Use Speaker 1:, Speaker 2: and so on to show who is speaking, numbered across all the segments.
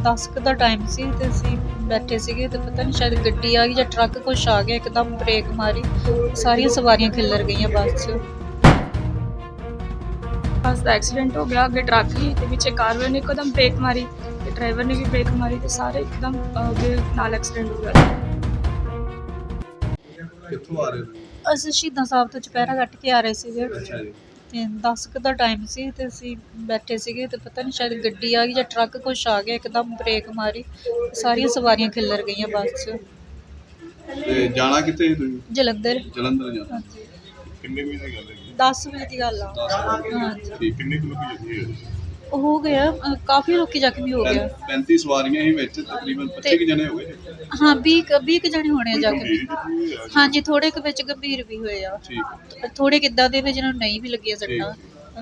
Speaker 1: 10 ਕੁ ਦਾ ਟਾਈਮ ਸੀ ਤੇ ਅਸੀਂ ਬੈਠੇ ਸੀਗੇ ਤੇ ਪਤਾ ਨਹੀਂ ਸ਼ਾਇਦ ਗੱਡੀ ਆ ਗਈ ਜਾਂ ਟਰੱਕ ਕੁਛ ਆ ਗਿਆ, ਇੱਕਦਮ ਬ੍ਰੇਕ ਮਾਰੀ, ਸਾਰੀਆਂ ਸਵਾਰੀਆਂ ਖਿੱਲਰ ਗਈਆਂ ਬੱਸ 'ਚ।
Speaker 2: ਬੱਸ ਦਾ ਐਕਸੀਡੈਂਟ ਹੋ ਗਿਆ। ਅੱਗੇ ਟਰੱਕ ਸੀ ਤੇ ਪਿੱਛੇ ਕਾਰ ਵਾਲੇ ਨੇ ਇੱਕਦਮ ਬ੍ਰੇਕ ਮਾਰੀ ਤੇ ਡਰਾਈਵਰ ਨੇ ਵੀ ਬ੍ਰੇਕ ਮਾਰੀ ਤੇ ਸਾਰੇ ਇੱਕਦਮ ਅੱਗੇ ਨਾਲ ਐਕਸੀਡੈਂਟ ਹੋ ਗਿਆ।
Speaker 3: ਕਿੱਥੋਂ ਆ ਰਹੇ ਹੋ?
Speaker 1: ਅਸੀਂ ਸ਼ਹੀਦਾਂ ਸਾਹਿਬ ਤੋਂ ਚੁਪਹਿਰਾ ਕੱਟ ਕੇ ਆ ਰਹੇ ਸੀਗੇ
Speaker 3: ਅੱਛਾ ਜੀ।
Speaker 1: ਤੇ 10 ਕੁ ਦਾ ਟਾਈਮ ਸੀ ਤੇ ਅਸੀਂ ਬੈਠੇ ਸੀਗੇ ਤੇ ਪਤਾ ਨਹੀਂ ਸ਼ਾਇਦ ਗੱਡੀ ਆ ਗਈ ਜਾਂ ਟਰੱਕ ਕੁਛ ਆ ਗਿਆ, ਇੱਕਦਮ ਬ੍ਰੇਕ ਮਾਰੀ, ਸਾਰੀਆਂ ਸਵਾਰੀਆਂ ਖਿੱਲਰ ਗਈਆਂ ਬੱਸ 'ਚ।
Speaker 3: ਤੇ ਜਾਣਾ ਕਿੱਥੇ ਸੀ ਤੁਸੀਂ?
Speaker 1: ਜਲੰਧਰ।
Speaker 3: ਜਲੰਧਰ ਜਾਣਾ।
Speaker 1: ਹਾਂਜੀ,
Speaker 3: ਕਿੰਨੇ ਵਜੇ ਦੀ ਗੱਲ ਹੈ?
Speaker 1: 10 ਵਜੇ ਦੀ ਗੱਲ ਆ।
Speaker 3: 10 ਵਜੇ।
Speaker 1: ਹਾਂਜੀ,
Speaker 3: ਠੀਕ, ਕਿੰਨੇ ਕੁ ਲੋਕੀ ਜ਼ਖਮੀ ਹੋਏ?
Speaker 1: ਹੋ ਗਿਆ ਕਾਫੀ ਲੋਕੀ ਜ਼ਖਮੀ ਹੋ ਗਿਆ।
Speaker 3: 35 ਸਵਾਰੀਆਂ ਹੀ ਵਿੱਚ, ਤਕਰੀਬਨ 25 ਕੁ ਜਣੇ ਹੋ ਗਏ।
Speaker 1: ਹਾਂ 20 ਕੁ ਜਣੇ ਹੋਣੇ ਆ ਜ਼ਖਮੀ।
Speaker 3: ਗੰਭੀਰ ਜ਼ਖਮੀ ਹੋਏ ਆ?
Speaker 1: ਹਾਂਜੀ, ਥੋੜੇ ਕੁ ਵਿੱਚ ਗੰਭੀਰ ਵੀ ਹੋਏ ਆ,
Speaker 3: ਠੀਕ।
Speaker 1: ਥੋੜੇ ਕਿੱਦਾਂ ਦੇ ਵੀ ਜਿਹਨਾਂ ਨੂੰ ਨਹੀਂ ਵੀ ਲੱਗੀਆਂ ਸੱਟਾਂ।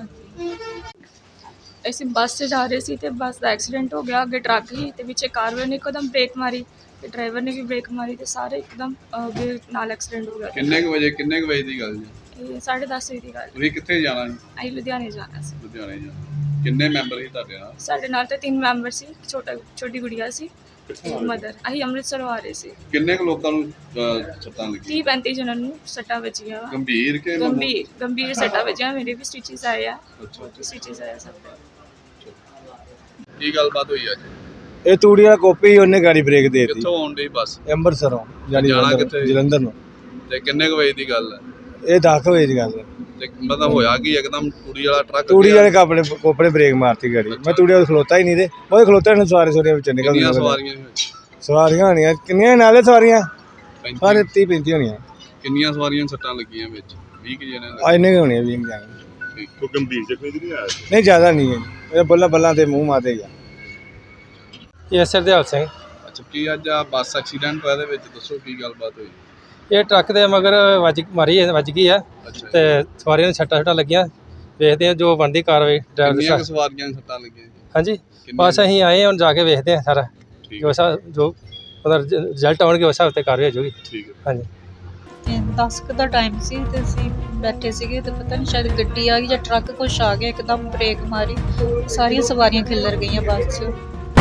Speaker 2: ਅਸੀਂ ਬੱਸ 'ਚ ਜਾ ਰਹੇ ਸੀ ਤੇ ਬੱਸ ਦਾ ਐਕਸੀਡੈਂਟ ਹੋ ਗਿਆ। ਅੱਗੇ ਟਰੱਕ ਸੀ ਤੇ ਪਿੱਛੇ ਕਾਰ ਵਾਲੇ ਨੇ ਇੱਕਦਮ ਬ੍ਰੇਕ ਮਾਰੀ ਤੇ ਡਰਾਈਵਰ ਨੇ ਵੀ ਬ੍ਰੇਕ ਮਾਰੀ ਤੇ ਸਾਰੇ ਇੱਕਦਮ ਅੱਗੇ ਨਾਲ ਐਕਸੀਡੈਂਟ ਹੋ ਗਿਆ।
Speaker 3: ਕਿੰਨੇ ਕੁ ਵਜੇ ਦੀ ਗੱਲ ਜੀ?
Speaker 2: ਇਹ 10:30 ਵਜੇ ਦੀ ਗੱਲ।
Speaker 3: ਤੁਸੀਂ ਕਿੱਥੇ ਜਾਣਾ ਜੀ?
Speaker 2: ਅਸੀਂ ਲੁਧਿਆਣੇ ਜਾਣਾ ਸੀ।
Speaker 3: ਲੁਧਿਆਣੇ ਜਾਣਾ। ਕਿੰਨੇ ਮੈਂਬਰ ਸੀ ਤੁਹਾਡੇ ਨਾਲ?
Speaker 2: ਸਾਡੇ ਨਾਲ ਤਾਂ 3 ਮੈਂਬਰ ਸੀ, ਛੋਟੀ ਗੁੜੀਆ ਸੀ, ਮਦਰ। ਅਸੀਂ ਅੰਮ੍ਰਿਤਸਰ ਆ ਰਹੇ ਸੀ।
Speaker 3: ਕਿੰਨੇ ਕੁ ਲੋਕਾਂ ਨੂੰ ਸੱਟਾਂ ਲੱਗੀਆਂ?
Speaker 2: 30-35 ਜਣਾਂ ਨੂੰ ਸੱਟਾਂ ਵੱਜੀਆਂ।
Speaker 3: ਗੰਭੀਰ ਕਿ
Speaker 2: ਗੰਭੀਰ ਸੱਟਾਂ ਵੱਜੀਆਂ। ਮੇਰੇ ਵੀ ਸਟਿਚਸ ਆਏ ਆ।
Speaker 3: ਅੱਛਾ।
Speaker 2: ਸਟਿਚਸ ਆਏ ਆ ਸਭ ਦੇ।
Speaker 3: ਕੀ ਗੱਲਬਾਤ ਹੋਈ ਅੱਜ?
Speaker 4: ਇਹ ਤੂੜੀ ਵਾਲਾ ਕੋਪੀ ਉਹਨੇ ਗਾੜੀ ਬ੍ਰੇਕ ਦੇ ਦਿੱਤੀ।
Speaker 3: ਕਿੱਥੋਂ ਆਉਣ ਡਈ ਬੱਸ?
Speaker 4: ਅੰਮ੍ਰਿਤਸਰੋਂ
Speaker 3: ਜਾਣਾ ਕਿੱਥੇ?
Speaker 4: ਜਲੰਧਰ ਨੂੰ।
Speaker 3: ਤੇ ਕਿੰਨੇ ਕੁ ਵਜੇ ਦੀ ਗੱਲ ਹੈ?
Speaker 4: ਇਹ 10 ਵਜੇ ਦੀ ਗੱਲ ਹੈ।
Speaker 3: ਤੇ ਮਤਲਬ ਹੋਇਆ ਕੀ ਇੱਕਦਮ ਤੂੜੀ ਵਾਲਾ ਟਰੱਕ?
Speaker 4: ਤੂੜੀ ਵਾਲੇ ਕੋਪਰੇ ਬ੍ਰੇਕ ਮਾਰਤੀ ਗਾੜੀ। ਮੈਂ ਤੂੜੀ ਵਾਲੇ ਖਲੋਤਾ ਹੀ ਨਹੀਂ ਤੇ ਉਹ ਖਲੋਤੇ ਨੇ ਸਵਾਰੀਆਂ ਵਿੱਚ ਨਿਕਲ
Speaker 3: ਕਿੰਨੀਆਂ ਸਵਾਰੀਆਂ ਸੀ ਵਿੱਚ?
Speaker 4: ਸਵਾਰੀਆਂ ਹੋਣੀਆਂ ਕਿੰਨੀਆਂ ਨਾਲੇ ਸਵਾਰੀਆਂ
Speaker 3: 35?
Speaker 4: ਸਾਰੇ 30-35 ਹੋਣੀਆਂ।
Speaker 3: ਕਿੰਨੀਆਂ ਸਵਾਰੀਆਂ ਸੱਟਾਂ ਲੱਗੀਆਂ ਵਿੱਚ? 20 ਕਿ ਜਣੇ?
Speaker 4: ਇੰਨੇ ਹੋਣੀਆਂ 20 ਜਾਣੇ।
Speaker 3: ਕੋਈ ਗੰਭੀਰ ਜ਼ਖਮੀ ਨਹੀਂ ਆਇਆ?
Speaker 4: ਨਹੀਂ ਜ਼ਿਆਦਾ ਨਹੀਂ ਹੈ, ਇਹ ਬੱਲਾਂ ਤੇ ਮੂੰਹ ਮਾਤੇ ਗਿਆ।
Speaker 5: ਇਹ ਸਰਦੇਵ ਸਿੰਘ।
Speaker 3: ਅੱਛਾ, ਕੀ ਅੱਜ ਆ ਬੱਸ ਐਕਸੀਡੈਂਟ ਹੋਇਆ? ਇਹਦੇ ਵਿੱਚ ਦੱਸੋ ਕੀ ਗੱਲਬਾਤ ਹੋਈ?
Speaker 5: ਇਹ ਟਰੱਕ ਦੇ ਮਗਰ ਵੱਜ ਗਈ ਆ
Speaker 3: ਅੱਛਾ।
Speaker 5: ਤੇ ਸਵਾਰੀਆਂ ਨੂੰ ਸੱਟਾਂ ਲੱਗੀਆਂ। ਵੇਖਦੇ ਆ ਜੋ ਬਣਦੀ ਕਾਰਵਾਈ ਡਰਾਈਵਰ
Speaker 3: ਕਿੰਨੀਆਂ ਕੁ
Speaker 5: ਸਾਹਿਬ।
Speaker 3: ਸਵਾਰੀਆਂ ਨੂੰ ਸੱਟਾਂ ਲੱਗੀਆਂ ਜੀ?
Speaker 5: ਹਾਂਜੀ,
Speaker 3: ਕਿੰਨੀਆਂ?
Speaker 5: ਬਸ ਅਸੀਂ ਆਏ ਹੁਣ ਜਾ ਕੇ ਵੇਖਦੇ ਆ ਸਾਰਾ
Speaker 3: ਠੀਕ
Speaker 5: ਜੋ ਉਹਦਾ ਰਿਜ਼ਲਟ ਆਉਣਗੇ ਉਸ ਹਿਸਾਬ ਤੇ ਕਾਰਵਾਈ ਹੋ ਜਾਊਗੀ।
Speaker 3: ਠੀਕ ਹੈ।
Speaker 5: ਹਾਂਜੀ,
Speaker 1: ਤੇ 10 ਕੁ ਦਾ ਟਾਈਮ ਸੀ ਤੇ ਅਸੀਂ ਬੈਠੇ ਸੀਗੇ ਤੇ ਪਤਾ ਨਹੀਂ ਸ਼ਾਇਦ ਗੱਡੀ ਆ ਗਈ ਜਾਂ ਟਰੱਕ ਕੁਛ ਆ ਗਿਆ, ਇੱਕਦਮ ਬ੍ਰੇਕ ਮਾਰੀ, ਸਾਰੀਆਂ ਸਵਾਰੀਆਂ ਖਿੱਲਰ ਗਈਆਂ ਬੱਸ 'ਚ।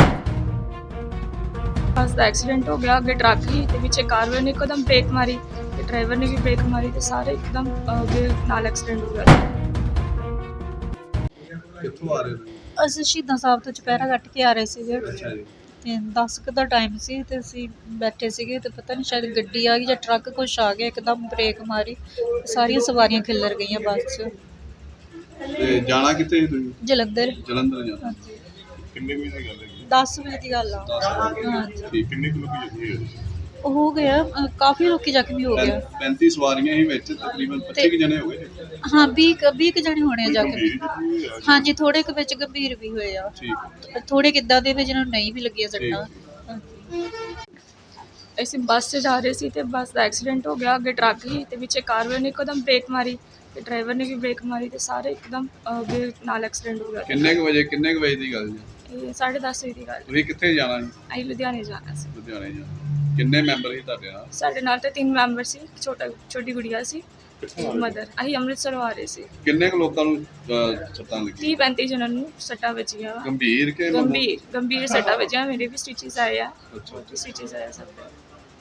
Speaker 2: ਬੱਸ ਦਾ ਐਕਸੀਡੈਂਟ ਹੋ ਗਿਆ। ਅੱਗੇ ਟਰੱਕ ਸੀ ਤੇ ਪਿੱਛੇ ਕਾਰ ਵਾਲੇ ਨੇ ਇੱਕਦਮ ਬ੍ਰੇਕ ਮਾਰੀ ਤੇ ਡਰਾਈਵਰ ਨੇ ਵੀ ਬ੍ਰੇਕ ਮਾਰੀ ਤੇ ਸਾਰੇ ਇੱਕਦਮ ਅੱਗੇ ਨਾਲ ਐਕਸੀਡੈਂਟ ਹੋ ਗਿਆ।
Speaker 3: ਕਿੱਥੋਂ ਆ ਰਹੇ ਹੋ?
Speaker 1: ਅਸੀਂ ਸ਼ਹੀਦਾਂ ਸਾਹਿਬ ਤੋਂ ਚੁਪਹਿਰਾ ਕੱਟ ਕੇ ਆ ਰਹੇ ਸੀਗੇ
Speaker 3: ਅੱਛਾ ਜੀ।
Speaker 1: ਤੇ 10 ਕੁ ਦਾ ਟਾਈਮ ਸੀ ਤੇ ਅਸੀਂ ਬੈਠੇ ਸੀਗੇ ਤੇ ਪਤਾ ਨਹੀਂ ਸ਼ਾਇਦ ਗੱਡੀ ਆ ਗਈ ਜਾਂ ਟਰੱਕ ਕੁਛ ਆ ਗਿਆ, ਇੱਕਦਮ ਬ੍ਰੇਕ ਮਾਰੀ, ਸਾਰੀਆਂ ਸਵਾਰੀਆਂ ਖਿੱਲਰ ਗਈਆਂ ਬੱਸ 'ਚ।
Speaker 3: ਤੇ ਜਾਣਾ ਕਿੱਥੇ ਸੀ ਤੁਸੀਂ?
Speaker 1: ਜਲੰਧਰ।
Speaker 3: ਜਲੰਧਰ ਜਾਣਾ।
Speaker 1: ਹਾਂਜੀ,
Speaker 3: ਕਿੰਨੇ ਵਜੇ ਦੀ ਗੱਲ ਹੈ?
Speaker 1: 10 ਵਜੇ ਦੀ ਗੱਲ ਆ।
Speaker 3: 10 ਵਜੇ।
Speaker 1: ਹਾਂਜੀ,
Speaker 3: ਠੀਕ, ਕਿੰਨੇ ਕੁ ਲੋਕੀ ਜ਼ਖਮੀ ਹੋਏ?
Speaker 1: ਹੋ ਗਿਆ ਕਾਫੀ ਲੋਕੀ ਜ਼ਖਮੀ ਹੋ ਗਿਆ।
Speaker 3: 35 ਸਵਾਰੀਆਂ ਹੀ ਵਿੱਚ, ਤਕਰੀਬਨ 25 ਕੁ ਜਣੇ ਹੋ ਗਏ।
Speaker 1: ਹਾਂ 20 ਕੁ ਜਣੇ ਹੋਣੇ ਆ ਜ਼ਖਮੀ।
Speaker 3: ਗੰਭੀਰ ਜ਼ਖਮੀ ਹੋਏ ਆ?
Speaker 1: ਹਾਂਜੀ, ਥੋੜੇ ਕੁ ਵਿੱਚ ਗੰਭੀਰ ਵੀ ਹੋਏ ਆ,
Speaker 3: ਠੀਕ।
Speaker 1: ਥੋੜੇ ਕਿੱਦਾਂ ਦੇ ਵੀ ਜਿਹਨਾਂ ਨੂੰ ਨਹੀਂ ਵੀ ਲੱਗੀਆਂ ਸੱਟਾਂ। ਹਾਂਜੀ,
Speaker 2: ਅਸੀਂ ਬੱਸ 'ਚ ਜਾ ਰਹੇ ਸੀ ਤੇ ਬੱਸ ਦਾ ਐਕਸੀਡੈਂਟ ਹੋ ਗਿਆ। ਅੱਗੇ ਟਰੱਕ ਸੀ ਤੇ ਪਿੱਛੇ ਕਾਰ ਵਾਲੇ ਨੇ ਇੱਕਦਮ ਬ੍ਰੇਕ ਮਾਰੀ ਤੇ ਡਰਾਈਵਰ ਨੇ ਵੀ ਬ੍ਰੇਕ ਮਾਰੀ ਤੇ ਸਾਰੇ ਇੱਕਦਮ ਅੱਗੇ ਨਾਲ ਐਕਸੀਡੈਂਟ ਹੋ ਗਿਆ।
Speaker 3: ਕਿੰਨੇ ਕੁ ਵਜੇ ਦੀ ਗੱਲ ਜੀ?
Speaker 2: ਇਹ 10:30 ਵਜੇ ਦੀ ਗੱਲ।
Speaker 3: ਤੁਸੀਂ ਕਿੱਥੇ ਜਾਣਾ ਜੀ?
Speaker 2: ਅਸੀਂ ਲੁਧਿਆਣੇ ਜਾਣਾ ਸੀ।
Speaker 3: ਲੁਧਿਆਣੇ ਜਾਣਾ। ਕਿੰਨੇ ਮੈਂਬਰ ਸੀ ਤੁਹਾਡੇ ਨਾਲ?
Speaker 2: ਸਾਡੇ ਨਾਲ ਤਾਂ 3 ਮੈਂਬਰ ਸੀ, ਛੋਟੀ ਗੁੜੀਆ ਸੀ, ਮਦਰ। ਅਸੀਂ ਅੰਮ੍ਰਿਤਸਰ ਆ ਰਹੇ ਸੀ।
Speaker 3: ਕਿੰਨੇ ਕੁ ਲੋਕਾਂ ਨੂੰ ਸੱਟਾਂ ਲੱਗੀਆਂ?
Speaker 2: 30-35 ਜਣਾਂ ਨੂੰ ਸੱਟਾਂ ਵੱਜੀਆਂ।
Speaker 3: ਗੰਭੀਰ ਕਿ
Speaker 2: ਗੰਭੀਰ ਸੱਟਾਂ ਵੱਜੀਆਂ। ਮੇਰੇ ਵੀ ਸਟਿਚਸ ਆਏ ਆ।
Speaker 3: ਅੱਛਾ।
Speaker 2: ਸਟਿਚਸ ਆਏ ਆ ਸਭ ਦੇ।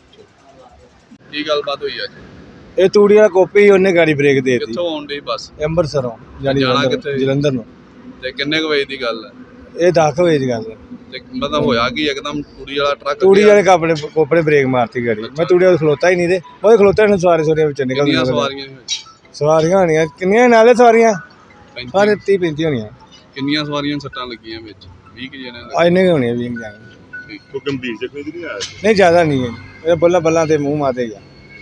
Speaker 3: ਕੀ ਗੱਲਬਾਤ ਹੋਈ ਅੱਜ?
Speaker 4: ਇਹ ਤੂੜੀ ਵਾਲਾ ਕੋਪੀ ਉਹਨੇ ਗਾੜੀ ਬ੍ਰੇਕ ਦੇ ਦਿੱਤੀ।
Speaker 3: ਕਿੱਥੋਂ ਆਉਣ ਡਈ ਬੱਸ?
Speaker 4: ਅੰਮ੍ਰਿਤਸਰੋਂ
Speaker 3: ਜਾਣਾ ਕਿੱਥੇ?
Speaker 4: ਜਲੰਧਰ ਨੂੰ।
Speaker 3: ਤੇ ਕਿੰਨੇ ਕੁ ਵਜੇ ਦੀ ਗੱਲ ਹੈ?
Speaker 4: ਇਹ 10 ਵਜੇ ਦੀ ਗੱਲ ਹੈ।
Speaker 3: ਤੇ ਮਤਲਬ ਹੋਇਆ ਕੀ ਇੱਕਦਮ ਤੂੜੀ ਵਾਲਾ ਟਰੱਕ?
Speaker 4: ਤੂੜੀ ਵਾਲੇ ਕੋਪਰੇ ਬ੍ਰੇਕ ਮਾਰਤੀ ਗਾੜੀ। ਮੈਂ ਤੂੜੀ ਵਾਲੇ ਖਲੋਤਾ ਹੀ ਨਹੀਂ ਤੇ ਉਹ ਖਲੋਤੇ ਨੇ ਸਵਾਰੀਆਂ ਵਿੱਚ ਨਿਕਲ
Speaker 3: ਕਿੰਨੀਆਂ ਸਵਾਰੀਆਂ ਸੀ ਵਿੱਚ?
Speaker 4: ਸਵਾਰੀਆਂ ਹੋਣੀਆਂ ਕਿੰਨੀਆਂ ਨਾਲੇ ਸਵਾਰੀਆਂ
Speaker 3: 35?
Speaker 4: ਸਾਰੇ 30-35 ਹੋਣੀਆਂ।
Speaker 3: ਕਿੰਨੀਆਂ ਸਵਾਰੀਆਂ ਸੱਟਾਂ ਲੱਗੀਆਂ ਵਿੱਚ? 20 ਕਿ ਜਣੇ?
Speaker 4: ਇੰਨੇ ਹੋਣੀਆਂ 20 ਜਾਣੇ।
Speaker 3: ਕੋਈ ਗੰਭੀਰ ਜ਼ਖਮੀ ਨਹੀਂ ਆਇਆ?
Speaker 4: ਨਹੀਂ ਜ਼ਿਆਦਾ ਨਹੀਂ ਹੈ, ਇਹ ਬੱਲਾਂ ਤੇ ਮੂੰਹ ਮਾਤੇ ਗਿਆ।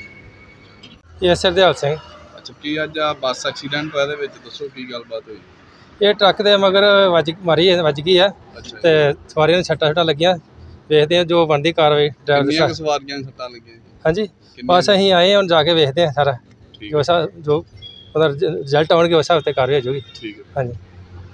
Speaker 5: ਇਹ ਸਰਦੇਵ ਸਿੰਘ।
Speaker 3: ਅੱਛਾ, ਕੀ ਅੱਜ ਆ ਬੱਸ ਐਕਸੀਡੈਂਟ ਹੋਇਆ? ਇਹਦੇ ਵਿੱਚ ਦੱਸੋ ਕੀ ਗੱਲਬਾਤ ਹੋਈ?
Speaker 5: ਇਹ ਟਰੱਕ ਦੇ ਮਗਰ ਵੱਜ ਗਈ ਆ
Speaker 3: ਅੱਛਾ।
Speaker 5: ਤੇ ਸਵਾਰੀਆਂ ਨੂੰ ਸੱਟਾਂ ਲੱਗੀਆਂ। ਵੇਖਦੇ ਆ ਜੋ ਬਣਦੀ ਕਾਰਵਾਈ ਡਰਾਈਵਰ
Speaker 3: ਕਿੰਨੀਆਂ ਕੁ
Speaker 5: ਸਾਹਿਬ।
Speaker 3: ਸਵਾਰੀਆਂ ਨੂੰ ਸੱਟਾਂ ਲੱਗੀਆਂ ਜੀ?
Speaker 5: ਹਾਂਜੀ,
Speaker 3: ਕਿੰਨੀਆਂ?
Speaker 5: ਬਸ ਅਸੀਂ ਆਏ ਹੁਣ ਜਾ ਕੇ ਵੇਖਦੇ ਆ ਸਾਰਾ
Speaker 3: ਠੀਕ
Speaker 5: ਜੋ ਉਹਦਾ ਰਿਜ਼ਲਟ ਆਉਣਗੇ ਉਸ ਹਿਸਾਬ ਤੇ ਕਾਰਵਾਈ ਹੋ ਜਾਊਗੀ।
Speaker 3: ਠੀਕ ਹੈ।
Speaker 5: ਹਾਂਜੀ।